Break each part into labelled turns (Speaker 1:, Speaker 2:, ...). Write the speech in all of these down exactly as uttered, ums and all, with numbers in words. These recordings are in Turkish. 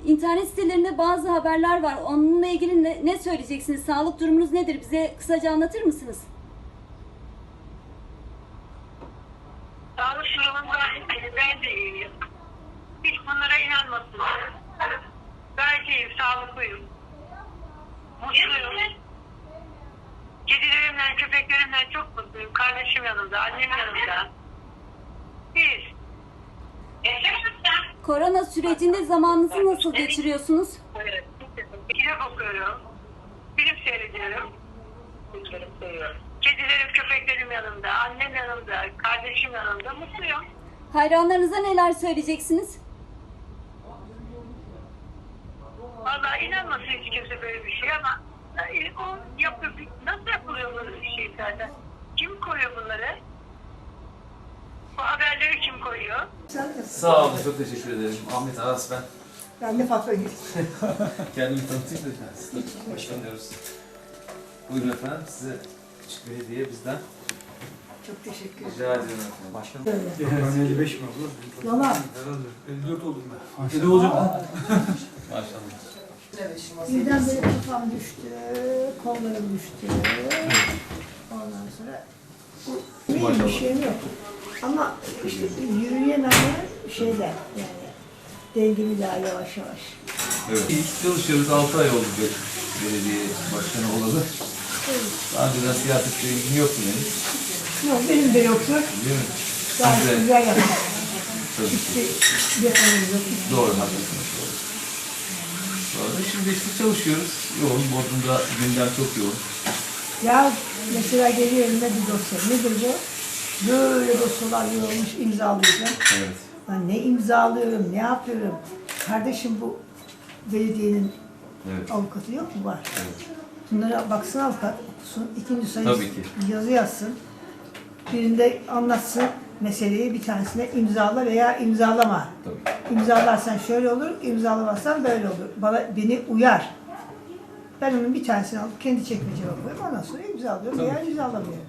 Speaker 1: İnternet sitelerinde bazı haberler var. Onunla ilgili ne, ne söyleyeceksiniz? Sağlık durumunuz nedir? Bize kısaca anlatır mısınız?
Speaker 2: Sağlık durumunda ben de iyiyim. Hiç bunlara inanmasınlar. Gayet iyiyim, sağlıklıyım. Mutluyum. Kedilerimle, köpeklerimle çok mutluyum. Kardeşim yanımda, annem yanımda. Biz.
Speaker 1: Korona sürecinde zamanınızı nasıl geçiriyorsunuz?
Speaker 2: Evet. Kitap okuyorum. Film seyrediyorum. Kedilerim, köpeklerim yanımda, annem yanımda, kardeşim yanımda. Mutluyum.
Speaker 1: Hayranlarınıza neler söyleyeceksiniz?
Speaker 2: Vallahi inanmasın hiç kimse böyle bir şey ama e, o yapıyor. Nasıl yapılıyor böyle bir şey zaten? Kim koyuyor bunları? Bu haberleri kim koyuyor?
Speaker 3: Sağ olun, çok teşekkür ederim. Ahmet Aras ben.
Speaker 4: Ben de Fatma Gül.
Speaker 3: Kendimi tanıtayım da başkan diyoruz. Buyurun efendim, size küçük bir hediye bizden.
Speaker 4: Çok teşekkür ederim.
Speaker 3: Rica ediyorum efendim. Başkanım.
Speaker 5: Ben elli beş mi abla?
Speaker 4: Yalan.
Speaker 5: Herhalde. elli dört oldum ben. elli olacak.
Speaker 3: Maşallah.
Speaker 4: Birdenbire kafam düştü, kollarım düştü. Ondan sonra bu benim bir şeyim yok. Ama işte yürüyemeyen şeyler yani dengemi daha yavaş yavaş.
Speaker 3: Evet. İlk çalışıyoruz, altı ay oldu belediye başkanı olalı. Daha önceden siyasetle ilgim yoktu benim.
Speaker 4: Yok benim de yoktu.
Speaker 3: Değil mi?
Speaker 4: Gayet
Speaker 3: Size-
Speaker 4: güzel yaptım.
Speaker 3: Tabii ki.
Speaker 4: Hiçbir yapanım yok.
Speaker 3: Doğru, haklısınız. Doğru. Sonra şimdi işte çalışıyoruz. Yoğun, Bodrum'da gündem çok yoğun.
Speaker 4: Ya mesela geliyor elime bir dosya. Nedir bu? Böyle dosyalar yorulmuş imzalayacağım.
Speaker 3: Evet.
Speaker 4: Ben ne imzalıyorum, ne yapıyorum? Kardeşim bu belediyenin
Speaker 3: Evet.
Speaker 4: avukatı yok mu? Var.
Speaker 3: Evet.
Speaker 4: Bunlara baksın avukat, okusun. İkinci sayı
Speaker 3: Tabii ki.
Speaker 4: yazı yazsın. Birinde anlatsın meseleyi, bir tanesine imzala veya imzalama.
Speaker 3: Tabii.
Speaker 4: İmzalarsan şöyle olur, imzalamazsan böyle olur. Bana, beni uyar. Ben onun bir tanesini alıp kendi çekmeceme koyuyorum. Ondan sonra imzalıyorum veya imzalamıyorum.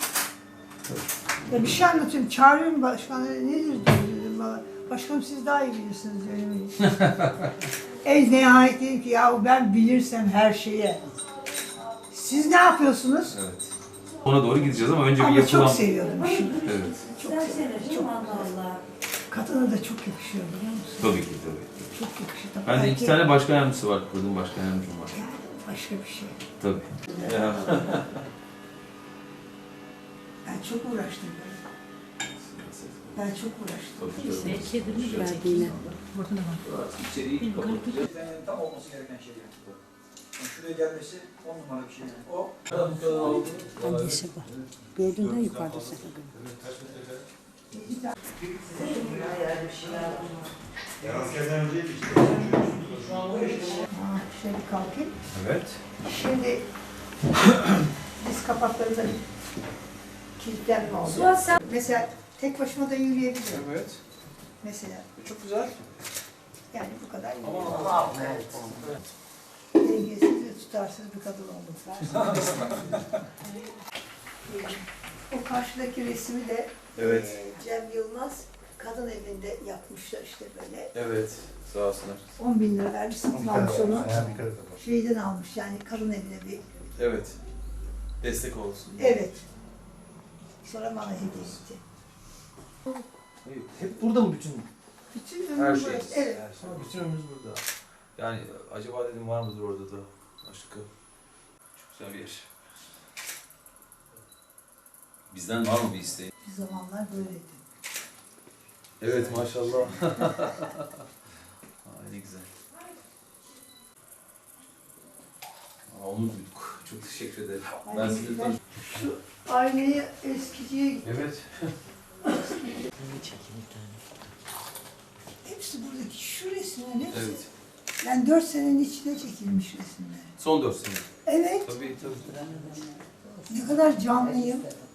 Speaker 4: Ya bir şey anlatıyorum, çağırıyorum başkanı, nedir diyorum bana. Başkanım siz daha iyi bilirsiniz diyorum. En nihayet dedim ki ya ben bilirsem her şeye. Siz ne yapıyorsunuz?
Speaker 3: Evet. Ona doğru gideceğiz ama önce bir
Speaker 4: Ama
Speaker 3: yapılan...
Speaker 4: çok seviyordum işimi.
Speaker 3: Evet.
Speaker 4: Çok seviyordum. Çok. Kadına da çok yakışıyor biliyor musun?
Speaker 3: Tabii ki tabii.
Speaker 4: Çok yakışıyor. Tabii
Speaker 3: Bende iki
Speaker 4: erkek-
Speaker 3: tane başkan yardımcısı var. Kadın başkan yardımcım var.
Speaker 4: Yani başka bir şey.
Speaker 3: Tabii. Ya.
Speaker 4: Ben çok uğraştım böyle. Ben çok uğraştım.
Speaker 3: Tabii, tabii.
Speaker 1: Kedinin verdiğine.
Speaker 3: İçeriği kapatacağız.
Speaker 5: Tam olması gereken şey yani. Yani şuraya gelmesi on numara bir şey yani. O
Speaker 6: Annesi var. Gördün de yukarıda sen.
Speaker 4: Ha, şöyle bir kalkayım.
Speaker 3: Evet.
Speaker 4: Şimdi diz kapaklarında bir kilitlenme oldu. Mesela tek başıma da yürüyebiliyorum.
Speaker 5: evet.
Speaker 4: Mesela
Speaker 5: Çok güzel.
Speaker 4: yani bu kadar yürüyebiliyorum. Dengesiz ve tutarsız bir kadın oldum. O karşıdaki resmi de
Speaker 3: Evet.
Speaker 4: e, Cem Yılmaz kadın evinde yapmışlar işte böyle.
Speaker 3: Evet. Sağ olsunlar.
Speaker 4: on bin lira vermiş satın almış onu. Şeyden almış yani kadın evine bir.
Speaker 3: Evet. Destek olsun.
Speaker 4: Evet. Sonra bana hediye etti.
Speaker 3: Hep burada mı bütün?
Speaker 4: Bütün
Speaker 3: Her
Speaker 4: ömrüm
Speaker 3: şey.
Speaker 4: burası. Evet.
Speaker 3: Bütün ömrümüz burada. Yani acaba dedim var mıdır orada da başka? Çok güzel bir yer. Bizden var mı bir isteğin?
Speaker 4: Bir zamanlar böyleydi.
Speaker 3: Evet maşallah. Ay ne güzel. Aa, onu duyduk. Çok teşekkür ederim. Ben
Speaker 4: Ay,
Speaker 3: sizi
Speaker 4: güzel.
Speaker 3: tanıdım.
Speaker 4: Şu aynayı eskiciye gittim.
Speaker 3: Evet.
Speaker 4: Hepsi buradaki şu resimlerin hepsi.
Speaker 3: Evet.
Speaker 4: Yani dört senenin içine çekilmiş resimler.
Speaker 3: Son dört sene.
Speaker 4: Evet.
Speaker 3: Tabii tabii.
Speaker 4: Ne kadar canlıyım.